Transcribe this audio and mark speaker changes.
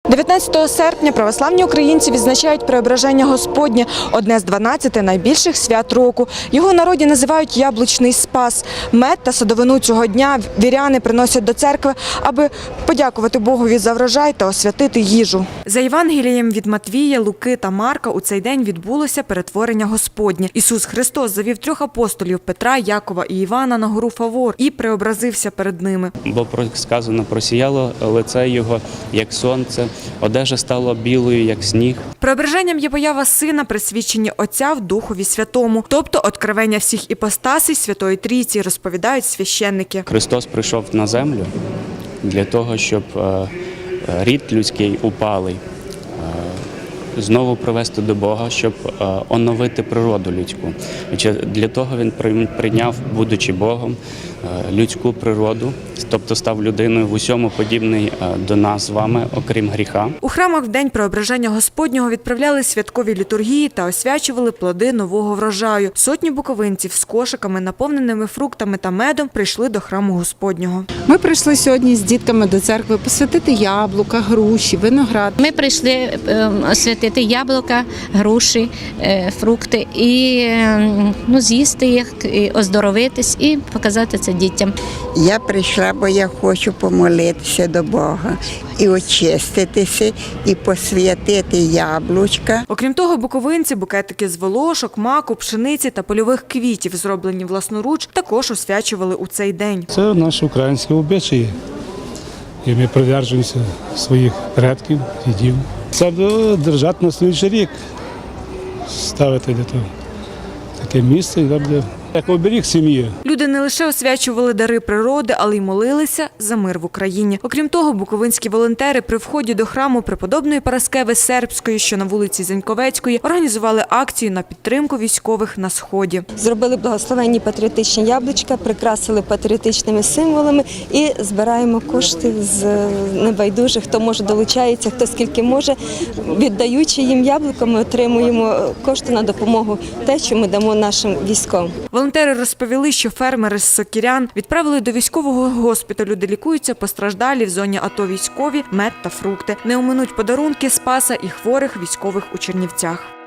Speaker 1: 19 серпня православні українці відзначають Преображення Господнє – одне з 12 найбільших свят року. Його в народі називають «Яблучний Спас». Мед та садовину цього дня віряни приносять до церкви, аби подякувати Богові за врожай та освятити їжу. За Євангелієм від Матвія, Луки та Марка у цей день відбулося перетворення Господнє. Ісус Христос завів 3 апостолів – Петра, Якова і Івана на гору Фавор і преобразився перед ними.
Speaker 2: Бо сказано, просіяло лице його, як сонце, одежа стала білою, як сніг.
Speaker 1: Преображенням є поява Сина, присвячення Отця в Духові Святому, тобто откровення всіх іпостасій Святої Трійці, розповідають священники.
Speaker 2: Христос прийшов на землю для того, щоб рід людський упалий знову привести до Бога, щоб оновити природу людську. Для того Він прийняв, будучи Богом, людську природу, тобто став людиною в усьому подібний до нас з вами, окрім гріха.
Speaker 1: У храмах в день Преображення Господнього відправляли святкові літургії та освячували плоди нового врожаю. Сотні буковинців з кошиками, наповненими фруктами та медом, прийшли до храму Господнього.
Speaker 3: Ми прийшли сьогодні з дітками до церкви посвятити яблука, груші, виноград.
Speaker 4: Ми прийшли освятити яблука, груші, фрукти і з'їсти їх, і оздоровитись і показати це дітям.
Speaker 5: Я прийшла, бо я хочу помолитися до Бога і очиститися, і посвятити яблучка.
Speaker 1: Окрім того, буковинці букетики з волошок, маку, пшениці та польових квітів, зроблені власноруч, також освячували у цей день.
Speaker 6: Це наші українські обичаї, і ми придержуємося своїх предків, дідів. Це держати на слідчий рік, ставити для того таке місце, де буде як оберіг сім'ї.
Speaker 1: Люди не лише освячували дари природи, але й молилися за мир в Україні. Окрім того, буковинські волонтери при вході до храму преподобної Параскеви Сербської, що на вулиці Зеньковецької, організували акцію на підтримку військових на Сході.
Speaker 7: Зробили благословенні патріотичні яблучка, прикрасили патріотичними символами і збираємо кошти з небайдужих, хто може долучається, хто скільки може. Віддаючи їм яблука, ми отримуємо кошти на допомогу те, що ми дамо нашим військовим.
Speaker 1: Волонтери розповіли, що фермери з Сокірян відправили до військового госпіталю, де лікуються постраждалі в зоні АТО військові, мед та фрукти. Не оминуть подарунки Спаса і хворих військових у Чернівцях.